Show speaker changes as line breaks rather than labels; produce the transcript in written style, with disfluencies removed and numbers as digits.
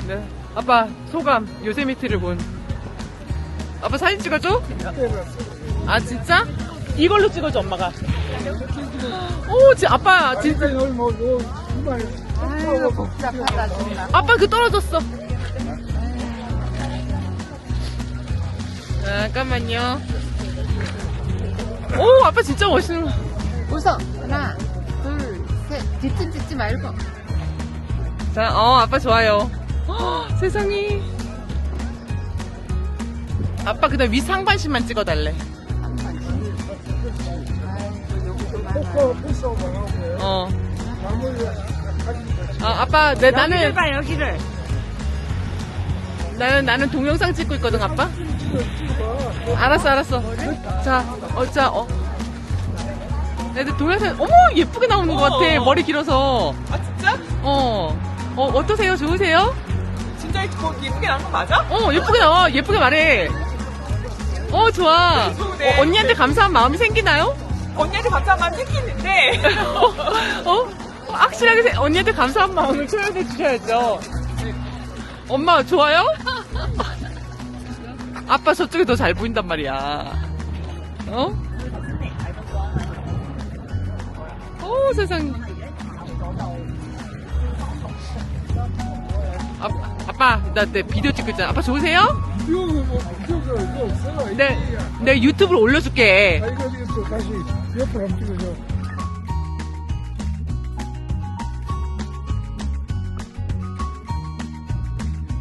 네. 아빠 소감 요세미티를 본. 아빠 사진 찍어줘? 아 진짜? 이걸로 찍어줘 엄마가. 오, 아빠 진짜.
아이고 복잡하다 정말.
아빠 그 떨어졌어. 잠깐만요. 오, 아빠 진짜 멋있는 거.
웃어. 하나, 둘, 셋. 뒤꿈 찍지 말고.
자, 아빠 좋아요. 세상에. 아빠 그다음 위 상반신만 찍어달래. 아빠, 나는
봐 여기를.
나는 동영상 찍고 있거든, 아빠. 알았어. 자, 애들 동영상, 어머, 예쁘게 나오는 것 같아. 머리 길어서.
아 진짜?
어떠세요? 좋으세요?
진짜 예쁘게 나온 거 맞아?
예쁘게 나와. 예쁘게 말해. 좋아.
좋네.
언니한테 감사한 마음이 생기나요?
언니한테 감사한 마음 생기는데
확실하게 언니한테 감사한 마음을 표현해 주셔야죠. 엄마, 좋아요? 아빠 저쪽이 더 잘 보인단 말이야. 세상에. 아빠, 나 내 비디오 찍고 있잖아. 아빠 좋으세요?
이거 없어.
네 유튜브로 올려줄게.
이거 다시 옆으로 한번 찍어줘.